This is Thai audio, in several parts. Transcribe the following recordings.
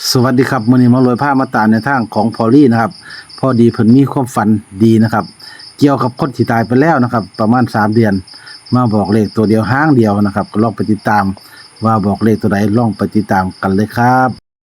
สวัสดีครับมื้อนี้มาลอยผ้ามาตามในทางของพอลลี่นะครับพอดีเพิ่นมีความฝันดีนะครับเกี่ยวกับคนที่ตายไปแล้วนะครับประมาณ3เดือนมาบอกเลขตัวเดียวห้างเดียวนะครับก็ลองไปติดตามว่าบอกเลขตัวใดลองไปติดตามกันเลยครับ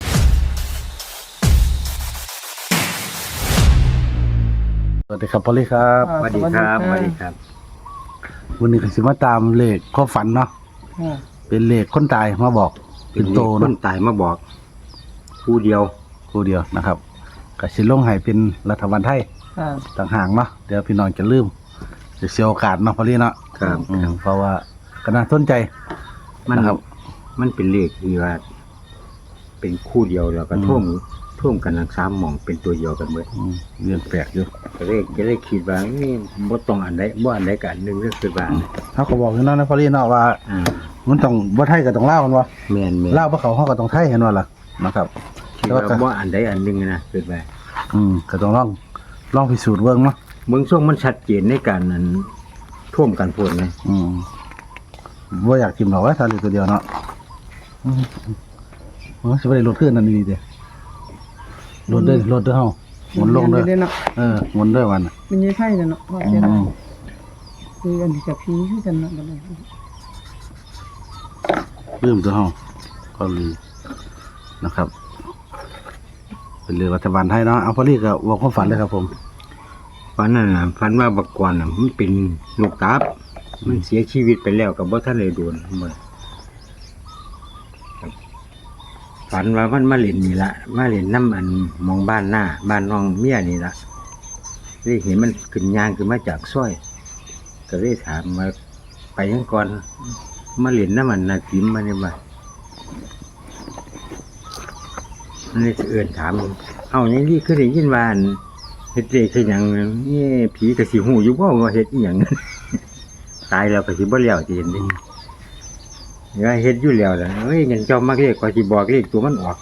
สวัสดีครับพอลลี่ครับสวัสดีครับสวัสดีครับวันนี้ก็สิมาตามเลขความฝันเนาะเป็นเลขคนตายมาบอกเป็นโตคเนาะนตายมาบอกผู้เดียวคู่เดียวนะครับก็สิลงให้เป็นรัฐบาลไทยต่างหากเนาะเดี๋ยวพี่น้องจะลืมจะเสียโอกาสเนาะพอลี่เนาะครับเพราะว่าก็น่าสนใจมันนะครับมันเป็นเลขที่ว่า เป็นคู่เดียวแล้วก็ท่วมกันทั้งสามหม่องเป็นตัวเดียวกันหมดเรื่องแปลกอยู่ก็เลยคิดว่านี่บ่ต้องอันใดบ่อันใดกันหนึงก็คือว่าเขาก็บอกอยู่เนาะนะพอลี่เนาะว่าอ่ามันต้องบ่ไทยก็ต้องลาวมันว่าแม่นลาวบ่เขาก็ต้องไทยเห็นว่าล่ะนะครับคิดว่าบ่อันใดอันหนึงนะคือว่าก็ต้องลองพิสูจน์เบิ่งเนาะเมืองช่วงมันชัดเจนในการนั้นท่วมกันโพดเลยบ่อยากกินหรอกว่าทะเลตัวเดียวเนาะสิบ่ได้ลดขึ้นนั่นดีเด้ลดเด้อเฮาหมุนลงเด้อหมุนเด้อวันมันยังไข่เนาะว่าจะได้คืออันนี้กับพีคือกันเนาะบัดนี้ลืมตัวเฮาก็ลืมนะครับ เป็นเรื่องรัฐบาลไทยเนาะเอาพอลี่ก็บอกความฝันเลยครับผมฝันนั่นน่ะฝันว่าบักกวนน่ะมันเป็นลูกตับมันเสียชีวิตไปแล้วก็บ่ทันได้โดนมื้อฝันว่ามันมาเล่นนี่ละมาเล่นน้ำอันมองบ้านหน้าบ้านน้องเมียนี่ละได้เห็นมันขึ้นยางขึ้นมาจากซอยก็เลยถามมาไปยังก่อนมาเล่นน้ำมันนาจิมมาเนี่ยว่ามันเลยเอื่นถามเอาอย่างนี้คือได้ยินว่าอันเฮ็ดเลขคือหยังนี่ผีก็สิหูอยู่บ่ว่าเฮ็ดอีหยัง ตายแล้วก็สิบ่แล้วสิเห็นดิว่าเฮ็ดอยู่แล้วล่ะเอ้ยงั้นเจ้ามักเลขก็สิบอกเลขตัวมันออก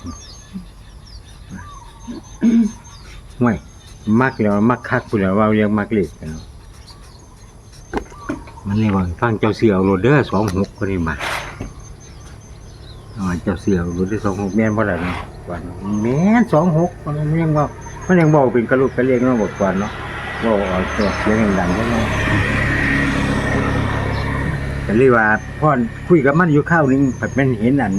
ห่วยมักแล้วมักคักพุ่นแล้วว่าเรียกมักเลขกันเนาะมันเลยว่าฟังเจ้าเสือเอาโรดเด้อ26คนนี้มาเจ้าเสือเอาโรดเด้อ26แม่นบ่ล่ะเนาะว่าแม่น26มันยังว่ามันยังบอกเป็นกระลุกกระเลียงเนาะบอกก่อนเนาะบ่เอาตัวเสียงดังๆเนาะก็เลยว่าพ่อคุยกับมันอยู่ข้าวนึงแบบมันเห็นอัน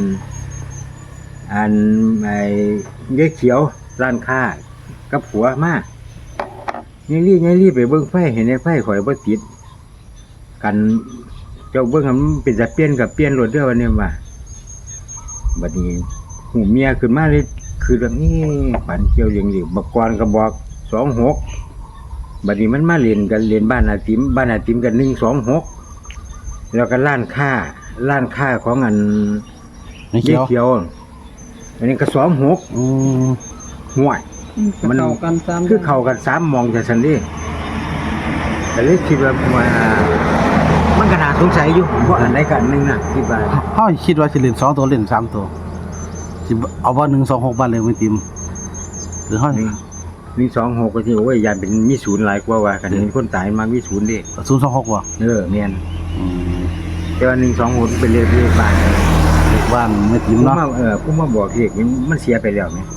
ไอ้เย้เขียวร้านค้ากับผัวมายังรีบไปเบิ่งไฟเห็นไอ้ไฟข่อยบ่ติดกันเจ้าเบิ่งมันเป็นจะเปลี่ยนกับเปลี่ยนรถเด้อวันนี้ว่าบัดนี้หูเมียขึ้นมาเลยคือแบบนี้ฝันเกี่ยวเลี้ยงบักกรก็บอก26บัดนี้มันมาเล่นกันเล่นบ้านอาติมกัน126แล้วก็ร้านค้าของอันไม่เกี่ยวเขียวอันนี้ก็26ห่วยมันเข้ากัน3 คือเข้ากัน3มองจังซั่นเด้ก็เลยคิดว่ามันก็น่าสงสัยอยู่ว่าอันใดกันนึงน่ะคิดว่าเฮาคิดว่าสิเล่น2ตัวเล่น3ตัวสิเอาว่า126บ้านเลยไม่ติมหรือเฮา 126ก็สิโอ้ยยานเป็นมีศูนย์หลายกว่ากันเห็นคนตายมามีศูนย์เด้ 026บ่แม่นแต่ว่า126เป็นเลขบ้านเลขบ้านไม่ติมผมเนาะมาผมมาบอกเลขนี้มันเสียไปแล้วแม่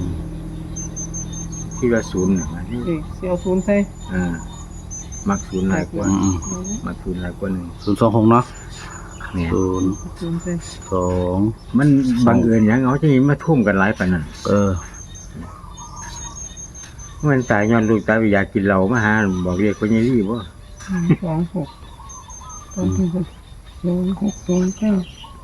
คิดว่าศูนย์น่ะเสียวศูนย์ใส่มักศูนย์หลายกว่ามักศูนย์หลายกว่า 026เนาะเนี่ยศูนย์ใส่ 02 มันบังเอิญหยังเอาจังนี้มาทุ่มกันหลายปานนั้นมันตายย้อนลูกตายอยากกินเหล้ามาหาบอกเรียกว่าไงรีบ่ 26ตอนที่06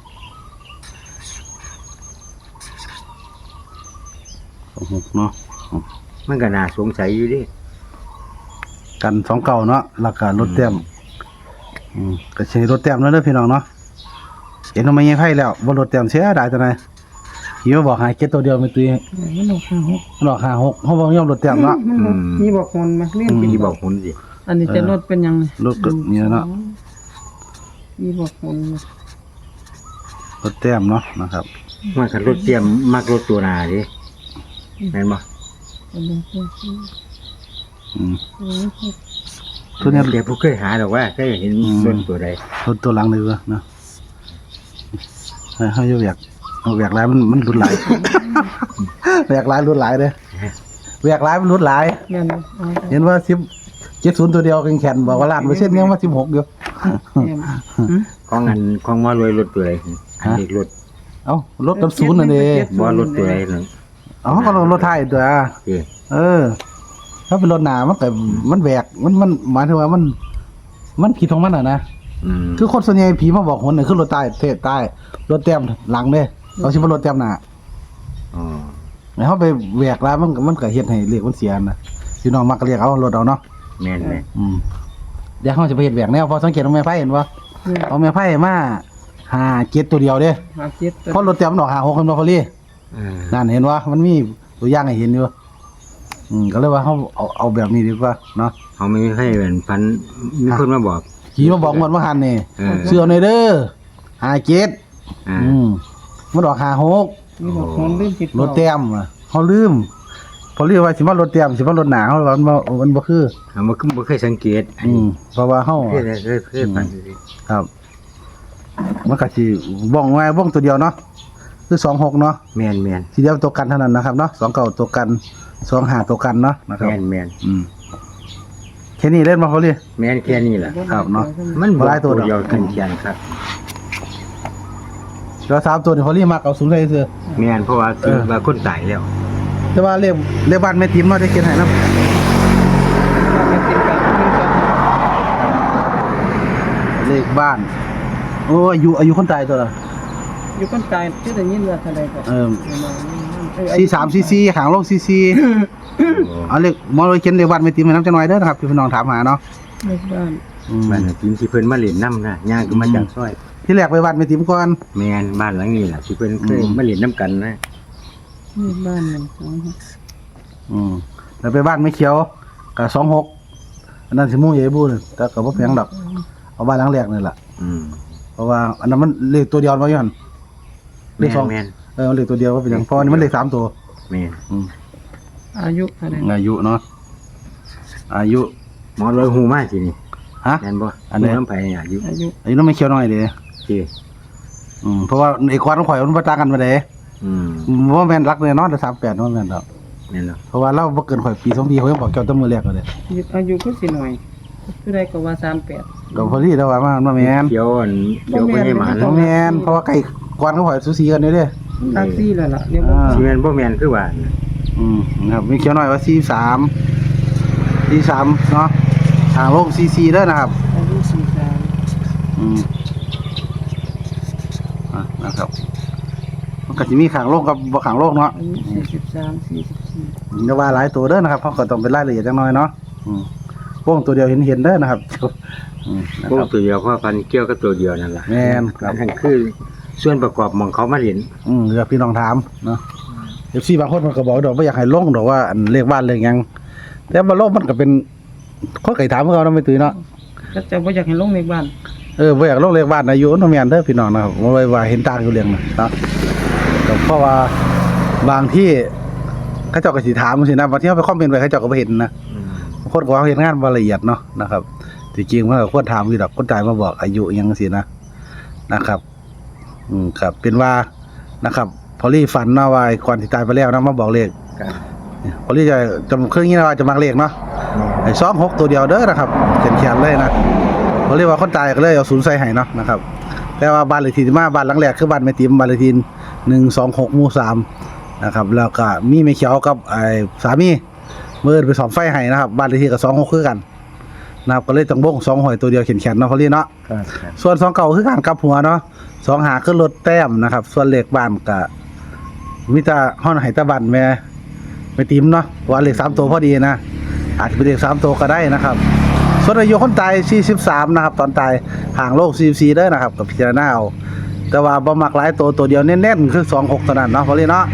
26เนาะมันก็น่าสงสัยอยู่เดิกัน2เก่าเนาะแล้วก็รถแต้มก็ใช้รถแต้มแล้วเด้อพี่น้องเนาะเห็นว่าไม่ยังไผแล้วบ่รถแต้มเสียดายจังได๋หิวบอกหาเก็ตตัวเดียวไม่ตุ้ยมันออก56 มันออก56เฮาบ่ยอมรถแต้มเนาะนี่บอกคนมาเล่นที่บอกคนสิอันนี้จะลดเป็นยังไงรถก็เนี่ยเนาะนี่บอกคนรถแต้มเนาะนะครับมันคันรถเตรียมมักรถตัวหน้าดิแม่นบ่ตัวเนี้ยเดี๋ยวผู้เคยหาดอกว่าเคยเห็นรถตัวใดรถตัวหลังเลยเนาะเฮาอยู่อยากแหวกหลายมันรุนหลาย แหวกหลายรุนหลายเด้อแหวกหลายมันรุนหลายแม่นบ่เอาเห็นว่า70ตัวเดียวแข็งๆบอกว่าล้านเปอร์เซ็นต์ยังว่า16อยู่แม่นของอันของมอรวยรถตัวไหนอันเด็กรถเอ้ารถกับศูนย์นั่นเด้บ่รถตัวไหนนึงอ๋อก็รถไทยตัวเอ้ยถ้าเป็นรถหนามันก็มันแหวกมันหมายถึงว่ามันผิดของมันอ่ะนะ คือคนส่วนใหญ่ผีมาบอกคนน่ะคือรถใต้เทศใต้รถเต็มหลังเด้เขาสิบ่รถเต็มหน้าอ๋อแล้วเฮาไปแหวกแล้วมันก็เฮ็ดให้เลขมันเสียนะพี่น้องมักเรียกเอารถเอาเนาะแม่นเดี๋ยวเฮาจะไปเฮ็ดแหวกแนวพอสังเกตของแม่ไผเห็นบ่เอาแม่ไผมา57ตัวเดียวเด้หาเจ็ดเพราะรถเต็มมันออก56กันบ่พอลี่ นั่นเห็นว่ามันมีตัวอย่างให้เห็นอยู่ก็เลยว่าเขาเอาแบบนี้ดีกว่าเนาะเขาไม่ให้เป็นพันมีคนมาบอกขี่มาบอกหมดว่าหันนี่เออเสื้อในอยเด้อ57 อ่ามันออก56 นี่บอกคนลืมจิตรถเต็มอะเขาลืมพอเรียกว่าสิมารถเต็มสิมารถหนาเขาว่ามันบ่คือเขาบ่เคยสังเกตอันอืนี้มเพราะว่าเฮาเคยผ่านครับ มันก็สิบ้องไว้บ้องตัวเดียวเนาะคือ26เนาะแม่นแม่นทีเดียวตัวกันเท่านั้นนะครับเนาะ29ตัวกัน25ตัวกันเนาะนะครับแม่นแม่นแค่นี้เล่นมาเขาเลยแม่นแค่นี้แหละครับเนาะมันหลายตัวดอกเดียวกันเขียนครับแล้ว3ตัวนี่เขาเรียกมากเอาสูงใส่เสื้อแม่นเพราะว่าคือว่าคนตายแล้วแต่ว่าเรียกบ้านแม่ติ๋มเนาะได้เขียนให้นำไม่ติดกันนี่ก็เลขบ้าน โอ้อายุคนตายตัวละอยู่คนตายที่ได้ยินว่าเท่าใดก็ 4344หางลง44เอาเลขหมอเลยเขียนเลขบ้านแม่ติ๋มให้นำจังหน่อยเด้อนะครับที่พี่น้องถามหาเนาะในบ้านบ้านทีมที่เพิ่นมาเล่นน้ำนะย่างก็มาจากซอยที่แรกไปบ้านแม่ติ๋มก่อนแม่นบ้านหลังนี้แหละที่เพิ่นเคยมาเล่นน้ำกันนะนี่บ้านมันสองแล้วไปบ้านแม่เขียวก็26อันนั้นสิหมู่ใหญ่บูนึงแต่ก็บ่แพงดอกเอาบ้านหลังแรกนี่ล่ะอืมเพราะว่าอันนั้นมันเลขตัวเดียวบ่อยู่หั่นเลแม่ขสองนแม่นเลขตัวเดียวว่าเป็นหยังเพราะอันนี้มันเลข3ตัวแม่นอายุเท่าใดอายุเนาะอายุหมอรวยหูมากทีนี่ฮะแม่นบ่อันไหนหูน้ำไผอายุอายุอายุน้องไม่เขียวน้อยเด้ที่เพราะว่าไอ้กวาดของข่อยมันบ่ต่างกันบ่ได้อืมบ่แม่นรักเลยเนาะแต่38บ่แม่นดอกแม่นเนาะเพราะว่าเราบ่เกินข่อยปี2ปีเขายังบอกเจ้าแตั้งมือแรกเลยอายุก็สิหน่อยผู้ใดก็ว่า38 ก็พอดีแล้วว่ามันบ่แม่นเขียวอันเขียวบ่ให้หมานบ่แม่นเพราะว่าไก่กวาดของข่อยสูสีกันเด้ตักซี่แล้วล่ะเดี๋ยวบ่สิแม่นบ่แม่นคือว่านะครับมีเขียวน้อยว่า43เนาะทางโลก44เด้อนะครับอายุ43 นะครับมันก็สิมีข้างโลกกับบ่ข้างโลกเนาะอายุ43 44 อย่าว่าหลายตัวเด้อนะครับเพราะก็ต้องเป็นรายละเอียดจักหน่อยเนาะวงตัวเดียวเห็นเด้อนะครับนะพวคกรับตัวเดียวเพราะพันเกี่ยวกับตัวเดียวนั่นล่ะแม่นครับอันคือส่วนประกอบของเขามาเล่นเดี๋ยวพี่น้องถามเนาะFC บางคนมันก็บอกดอกบ่อยากให้ลงดอกว่าอันเลขบ้านเลขหยังแต่บ่ลงมันก็เป็นคนไก่ถามเขาเนาะไม่ตื่นเนาะก็จะบ่อยากให้ลงในบ้านบ่อยากลงเลขบ้านอายุเนาะแม่นเด้อพี่น้องนะครับบ่ไว้ว่าเห็นต่างอยู่เรื่องนะเนาะก็เพราะว่าบางที่เขาเจ้าก็สิถามจังซี่นะบางทีเฮาไปคอมเมนต์ไว้เขาเจ้าก็บ่เห็นนะ บางคนก็ว่าเฮ็ดงานบ่ละเอียดเนาะนะครับที่จริงมันก็ควรถามอยู่ดอกคนตายมาบอกอายุอิหยังจังซี่นะครับครับเป็นว่านะครับพอลี่ฝันเนาะว่าก่อนที่ตายไปแล้วนะมาบอกเลขครับพอลี่จะเครื่องนี้นะว่าจะมักเลขเนาะไอ้26ตัวเดียวเด้อนะครับแขนๆเลยนะพอลี่ว่าคนตายก็เลยเอา0ใส่ให้เนาะนะครับแต่ว่าบ้านเลขที่มาบ้านหลังแรกคือบ้านแม่ติ๋มบ้านเลขที่126หมู่3นะครับแล้วก็มีแม่เขียวกับไอ้สามีเมื่อไปสอบไฟให้นะครับบ้านเลขที่ก็26คือกันนะครับก็เลยต้องบ่ง2หอยตัวเดียวแขนๆเนาะพอลี่เนาะครับส่วน2เก่าคือการกลับหัวเนาะ2หาขึ้นรถแต้มนะครับส่วนเลขบ้านก็มีแต่ฮ้อนให้ตะบันแม่ติ๋มเนาะว่าเลข3ตัวพอดีนะอาจจะเป็นเลข3ตัวก็ได้นะครับส่วนอายุคนตาย43นะครับตอนตายห่างโลก44เด้อนะครับกับพิจารณาเอาแต่ว่าบ่มักหลายตัวเดียวแน่นๆคือ26เท่านั้นเนาะพอลี่เนาะ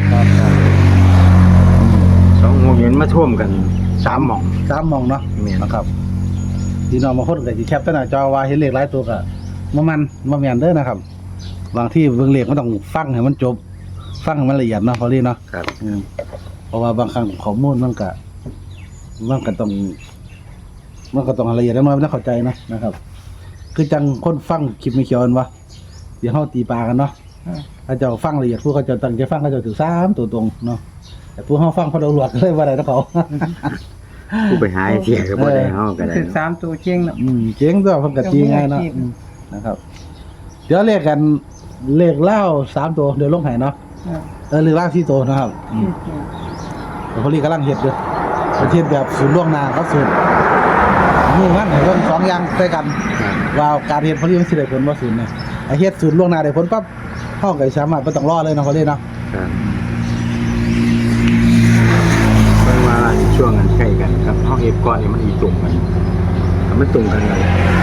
สองโมงเย็นมาท่วมกัน3หม่อง 3มองเนาะแม่นนะครับพี่น้องบางคนก็สิแคปแต่หน้าจอว่าเห็นเลขหลายตัวก็บ่แม่นเด้อนะครับบางที่เบิ่งเลขมันต้องฟังให้มันจบฟังให้มันละเอียดเนาะพอลี่เนาะครับเพราะว่าบางครั้งข้อมูลมันก็ต้องละเอียดน้อยๆมันต้องเข้าใจนะครับ คือจังคนฟังคลิปไม่เขียวกันวะเดี๋ยวเฮาตีปลากันเนาะถ้าเจ้าฟังละเอียดผู้เขาเจะตั้งใจฟังเขาเจะถือ3ตัวตรงเนาะแต่ผู้เฮาฟังเพราะเราหลวดก็เลยว่าได้เนาะเขาผู้ไปหาเสียก็บ่ได้เฮาก็ได้ถึงเนาะ 3ตัวเก่งเนาะเจ๋งตัวเพิ่นก็ตีง่ายเนาะนะครับ เดี๋ยวเลขกันเลขเล่า3ตัวเดี๋ยวลงให้เนาะเลขเล่า4ตัวนะครับแต่พอลีกำลังเฮ็ดอยู่ประเทศแบบศูนย์ล่วงหน้าเขาสูตรนี่มันให้เพิ่น2อย่างใส่กัน ว่าการเฮ็ดพอลีมันสิได้ผลบ่ศูนย์เนี่ยไอ้เฮ็ดศูนย์ล่วงหน้าได้ผลปั๊บเฮาก็สามารถบ่ต้องรอเลยเนาะพอลีเนาะครับเพิ่นว่าช่วงนั้นใกล้กันครับเฮาเฮ็ดก่อนนี่มันอีตรงกันถ้ามันตรงกันแล้ว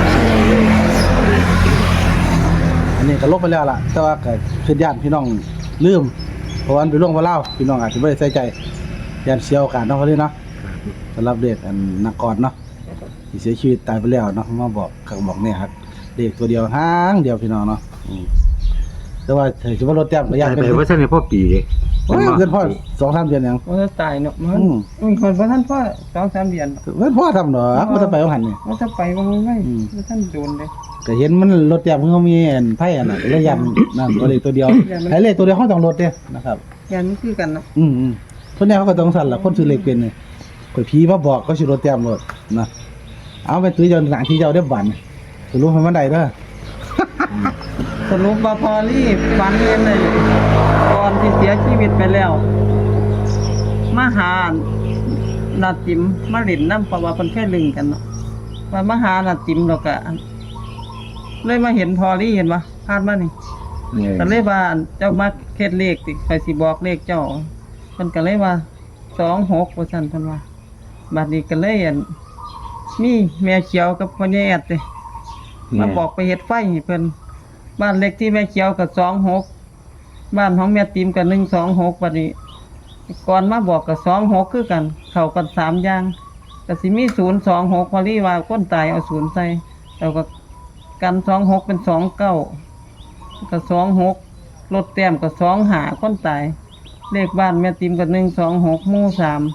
อันนี้ก็ลบไปแล้วล่ะแต่ว่าก็คือญาติพี่น้องลืมเพราะว่ามันเป็นเรื่องว่าเล่าพี่น้องอาจจะบ่ได้ใส่ใจญาติเสียโอกาสเนาะพอลีเนาะสำหรับเด็กอันนักกอดเนาะที่เสียชีวิตตายไปแล้วเนาะมาบอกเขาบอกเนี่ยครับเด็กตัวเดียวหางเดียวพี่น้องเนาะแต่ว่าถือว่ารถแต้มก็ยากไปเป็นว่าซั่นให้พ่อปีเด้โอ้ยเกินพ่อ 2-3 เดือนยังว่าจะตายเนาะมันคนบ่ทันพอ2-3เดือนเกินพ่อทำดอกบ่ต้องไปเอาหันนี่ว่าจะไปบ่ง่ายบ่ทันโดนเลยก็เห็นมันรถแต้มเขามีอันไผอันน่ะก็เลยยันนั่นก็เลยตัวเดียวไอ้เลขตัวเดียวเขาต้องรถเด้นะครับยันมันคือกันเนาะคนนี้เขาก็ต้องสั่นล่ะคนซื้อเลขเป็นนี่ข่อยผีมาบอกก็สิรถแต้มรถนะเอาไปตื้อเจ้าหนังที่เจ้าได้บันสรุปให้มันได้เด้อสรุปว่าพอลี่ฝันเห็นเลยก่อนที่เสียชีวิตไปแล้วมาหานาจิมมาเล่นน้ำเพราะว่าเพิ่นเคยลึงกันเนาะว่ามาหานาจิมแล้วก็เลยมาเห็นพอลี่เห็นบ่พาดมานี่ ก็เลยว่าเจ้ามาเฮ็ดเลขติไปสิบอกเลขเจ้าเพิ่นก็เลยว่า26ว่าซั่นเพิ่นว่าบัดนี้ก็เลยอั่นมีแม่เขียวกับพ่อใหญ่แอดเด้มาบอกไปเฮ็ดไฟให้เพิ่นบ้านเลขที่แม่เขียวก็26บ้านของแม่ติ๋มก็126บัดนี้ก่อนมาบอกก็26คือกันเข้ากัน3อย่างก็สิมี026พอลี่ว่าคนตายเอา0ใส่แล้วก็กัน26เป็น29ก็26รถแต้มก็25คนตายเลขบ้านแม่ติ๋มก็126หมู่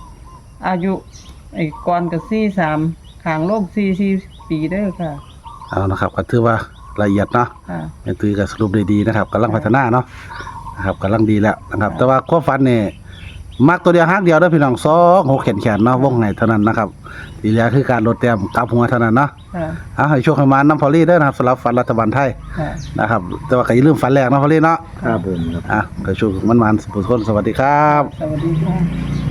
3อายุไอ้ก่อนก็43ข้างโลก44ปีเด้อค่ะเอานะครับก็ถือว่าละเอียดเนาะค่ะแม่ตุ้ยก็สรุปได้ดีนะครับกำลังพัฒนาเนาะนะครับกำลังดีแล้วนะครับ แต่ว่าความฝันนี่มักตัวเดียวหางเดียวเด้อพี่น้อง2 6แขนๆเนาะวงไหนเท่านั้นนะครับที่เหลือคือการลดแต้มกลับหัวเท่านั้นเนาะค่ะเอาให้โชคให้มาน้ำพอลี่เด้อนะครับสำหรับฝันรัฐบาลไทยค่ะนะครับแต่ว่าก็อย่าลืมฝันแรกเนาะพอลี่เนาะครับผมครับก็โชคมันๆสุขๆสวัสดีครับสวัสดีค่ะ